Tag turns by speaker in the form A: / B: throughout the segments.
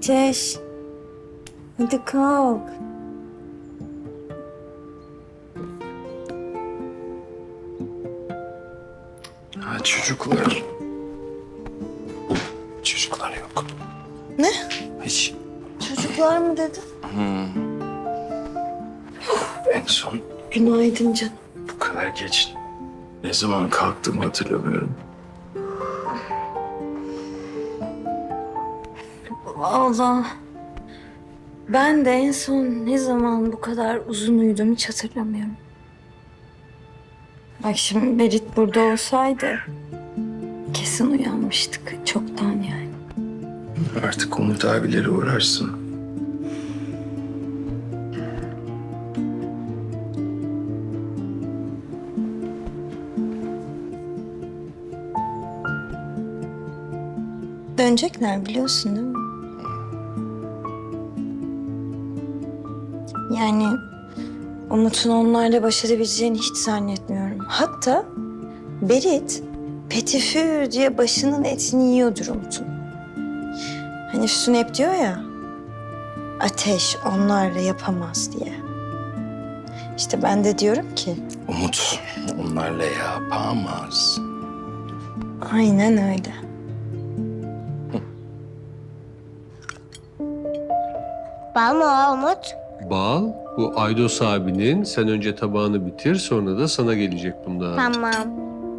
A: Ateş. Hadi kalk.
B: Ha, çocuklar. Çocuklar yok.
A: Ne?
B: Hiç.
A: Çocuklar mı dedin?
B: En son
A: Günaydın canım.
B: bu kadar geç ne zaman kalktığımı hatırlamıyorum.
A: Allah. Ben de en son ne zaman bu kadar uzun uyudum hiç hatırlamıyorum. Bak şimdi Berit burada olsaydı kesin uyanmıştık çoktan yani.
B: Artık Umut abileri uğrarsın.
A: Dönecekler biliyorsun değil mi? Yani Umut'un onlarla baş edebileceğini hiç zannetmiyorum. Hatta Berit petifür diye başının etini yiyordur Umut'un. Hani Füsun hep diyor ya, Ateş onlarla yapamaz diye. İşte ben de diyorum ki,
B: Umut onlarla yapamaz.
A: aynen öyle.
C: Bal mı o Umut?
D: Bal, bu Aydos abinin. Sen önce tabağını bitir, sonra da sana gelecek bundan.
C: Tamam.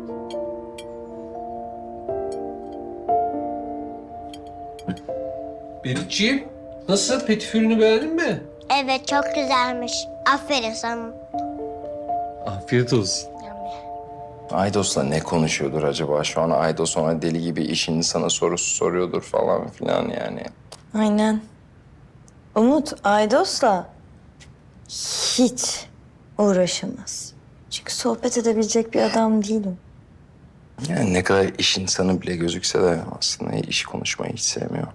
D: Beritciğim, nasıl? Petifürünü beğendin mi?
C: Evet çok güzelmiş. Aferin sana.
D: Afiyet olsun.
B: Aydos'la ne konuşuyordur acaba? Şu an Aydos ona deli gibi iş insanı sorusu soruyordur falan filan yani.
A: Aynen. Umut Aydos'la hiç uğraşamaz. Çünkü sohbet edebilecek bir adam değilim.
B: Yani ne kadar iş insanı bile gözükse de aslında iş konuşmayı hiç sevmiyor.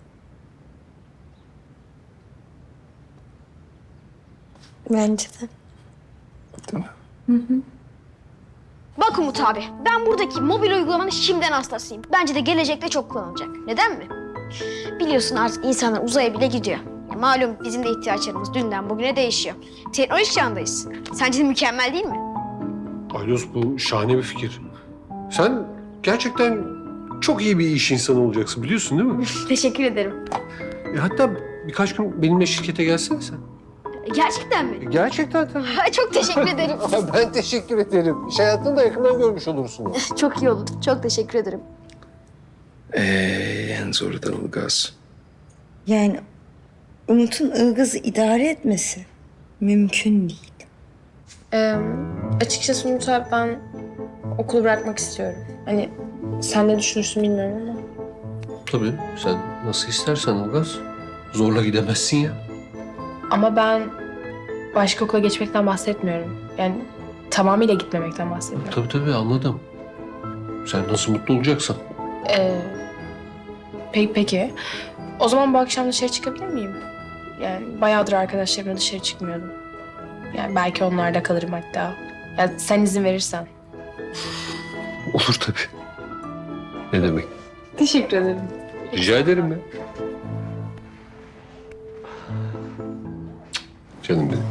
A: Bence de.
B: Değil mi?
E: Bak Umut abi, ben buradaki mobil uygulamanın şimdiden hastasıyım. Bence de gelecekte çok kullanılacak. Neden mi? Biliyorsun artık insanlar uzaya bile gidiyor. Ya malum bizim de ihtiyaçlarımız dünden bugüne değişiyor. Teknolojik çağındayız. Sence de mükemmel değil mi?
D: Aydos, bu şahane bir fikir. Sen gerçekten çok iyi bir iş insanı olacaksın, biliyorsun değil mi?
E: Teşekkür ederim.
D: Hatta birkaç gün benimle şirkete gelsene sen.
E: Gerçekten mi?
D: Gerçekten tabii.
E: Çok teşekkür ederim.
D: Ben teşekkür ederim. İş hayatını da yakından görmüş olursun.
E: Çok iyi oldu. Çok teşekkür ederim.
B: En zoru da Ilgaz.
A: Yani Umut'un Ilgaz'ı idare etmesi mümkün değil.
F: Açıkçası Umut abi ben okulu bırakmak istiyorum. Hani sen ne düşünürsün bilmiyorum ama.
D: Tabii, sen nasıl istersen Ilgaz. Zorla gidemezsin ya.
F: Ama ben başka okula geçmekten bahsetmiyorum. Yani tamamıyla gitmemekten bahsediyorum.
D: Tabii anladım. Sen nasıl mutlu olacaksan.
F: Peki. O zaman bu akşam dışarı çıkabilir miyim? Yani bayağıdır arkadaşlarımla dışarı çıkmıyordum. Yani belki onlarda kalırım hatta. Ya sen izin verirsen.
D: Olur tabii. Ne demek?
F: Teşekkür ederim.
D: Rica ederim ya. Canım benim.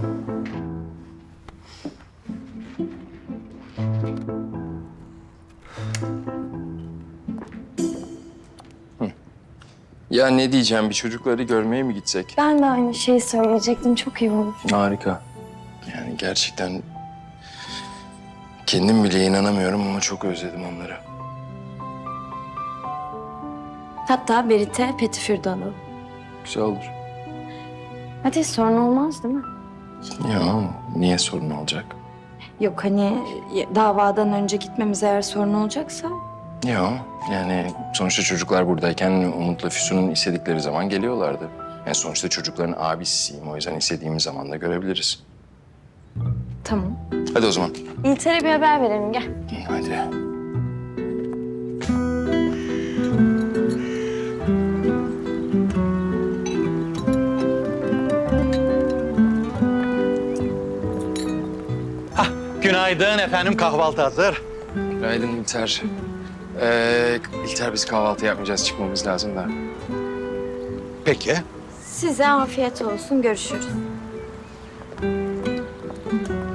B: Ya ne diyeceğim, bir çocukları görmeye mi gitsek?
A: Ben de aynı şeyi söyleyecektim. Çok iyi olur.
B: Harika. Yani gerçekten kendim bile inanamıyorum ama çok özledim onları.
A: Hatta Berit'e petifür de alalım.
B: Güzel olur.
A: Hadi sorun olmaz değil mi?
B: Ya niye sorun olacak?
A: Yok hani davadan önce gitmemiz eğer sorun olacaksa.
B: Ya yani sonuçta çocuklar buradayken Umut'la Füsun'un istedikleri zaman geliyorlardı. Yani sonuçta çocukların abisiyim, o yüzden istediğimiz zaman da görebiliriz.
A: Tamam.
B: Hadi o zaman.
A: İlter'e bir haber verelim gel.
B: Hadi.
G: Günaydın efendim, kahvaltı hazır.
B: Günaydın İlter. İlter biz kahvaltı yapmayacağız, çıkmamız lazım da.
G: Peki.
A: Size afiyet olsun. Görüşürüz.